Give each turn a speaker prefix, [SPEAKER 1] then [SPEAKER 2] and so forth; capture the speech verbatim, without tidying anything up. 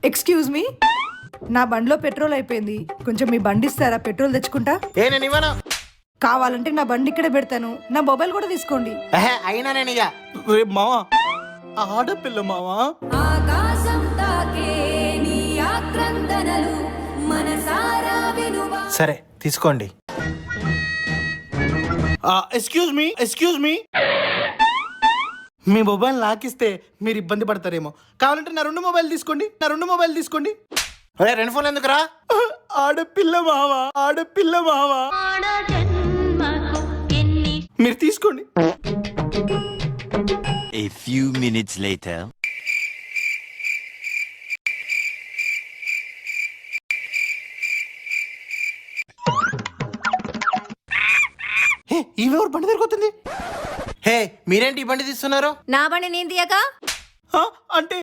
[SPEAKER 1] Excuse me, నా బండిలో petrol అయిపోయింది, కొంచెం మీ బండి ఇస్తారా? పెట్రోల్ తెచ్చుకుంటా.
[SPEAKER 2] ఏ నేను ఇవ్వను.
[SPEAKER 1] కావాలంటే నా బండి ఇక్కడే పెడతాను, నా మొబైల్ కూడా తీసుకోండి.
[SPEAKER 2] ఎహే, అయినా నేను ఇక
[SPEAKER 3] రేపు మావా ఆడపిల్ల మావా.
[SPEAKER 4] ఆకాశం తాకే నీ ఆక్రందనలు మనసారా వినువా.
[SPEAKER 2] సరే తీసుకోండి.
[SPEAKER 3] ఎక్స్క్యూజ్ మీ ఎక్స్క్యూజ్ మీ మీ మొబైల్ నాకిస్తే మీరు ఇబ్బంది పడతారేమో, కావాలంటే నా రెండు మొబైల్ తీసుకోండి, నా రెండు మొబైల్ తీసుకోండి.
[SPEAKER 2] ఒరే రెండు ఫోన్లు ఎందుకురా?
[SPEAKER 3] ఆడపిల్ల మావా, ఆడపిల్ల మావా, మీరు తీసుకోండి.
[SPEAKER 5] A few minutes later.
[SPEAKER 3] హే ఈమెవరు బండి దగ్గరికి వస్తుంది?
[SPEAKER 2] హే మీరేంటి ఈ బండి తీస్తున్నారు?
[SPEAKER 4] నా బండి నేను తీయక
[SPEAKER 3] ఆ, అంటే